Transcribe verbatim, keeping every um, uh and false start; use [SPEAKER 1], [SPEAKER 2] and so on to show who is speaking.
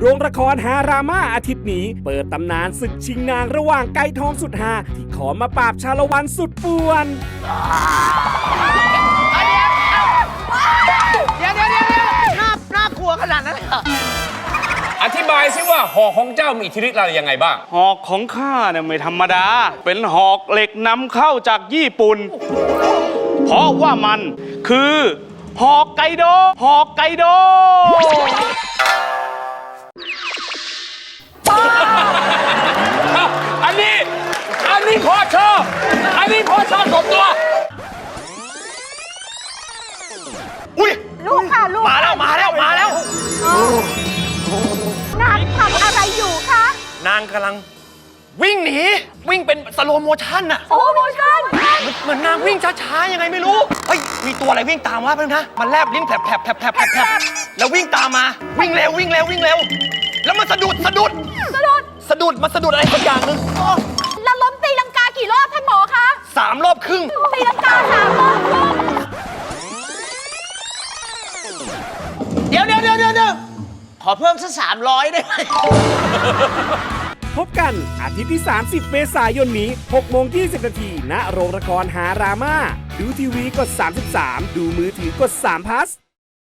[SPEAKER 1] โรงละครฮารามาอาทิตย์นี้เปิดตำนานศึกชิงนางระหว่างไก่ทองสุดฮาที่ขอมาปราบชาละวันสุดป่วน
[SPEAKER 2] เดี๋ยวเดี๋ยวเดี๋ยวเดี๋ยวน่าน่ากลัวขนาดนั้นเลยเหรอ
[SPEAKER 3] อธิบายซิว่าหอกของเจ้ามีอิทธิฤทธิ์อะไรยังไงบ้าง
[SPEAKER 4] หอกของข้าเนี่ยไม่ธรรมดาเป็นหอกเหล็กนำเข้าจากญี่ปุ่นเพราะว่ามันคือหอกไกโดหอกไกโด
[SPEAKER 3] อันนี้อันนี้พอชอบอันนี้พอชอบสมตัว
[SPEAKER 2] อุ้ย
[SPEAKER 5] ลูกค่ะลูก
[SPEAKER 2] มาแล้วมาแล้วมาแล้ว
[SPEAKER 5] นางทำอะไรอยู่คะ
[SPEAKER 2] นางกำลังวิ่งหนีวิ่งเป็นสโลโมชั่นอะ
[SPEAKER 5] โอ้โมชั่น
[SPEAKER 2] เหมือนนางวิ่งช้าๆยังไงไม่รู้เฮ้ยมีตัวอะไรวิ่งตามวะเพื่อนนะมันแลบลิ้นแผลบแผลบแผลบแผลบแผลบแล้ววิ่งตามมาวิ่งเร็ววิ่งเร็ววิ่งเร็วแล้วมันสะดุดสะดุด
[SPEAKER 5] สะดุด
[SPEAKER 2] สะดุดมันสะดุดอะไรสักอย่างหนึง
[SPEAKER 5] แล้วล้มตีลังกากี่รอบท่านหมอคะ
[SPEAKER 2] สามรอบครึ่ง
[SPEAKER 5] ตีลังกาสามรอบครึ่ง
[SPEAKER 2] เดี๋ยวเดี๋ยวเดี๋ยวเดี๋ยวขอเพิ่มสักสามร้อยได้ไหม
[SPEAKER 1] พบกันอาทิตย์ที่ สามสิบ เมษายนนี้ หกโมงยี่สิบ นาที ณ โรงละครฮารามาดูทีวีกด สามสิบสาม ดูมือถือกด สาม พลัส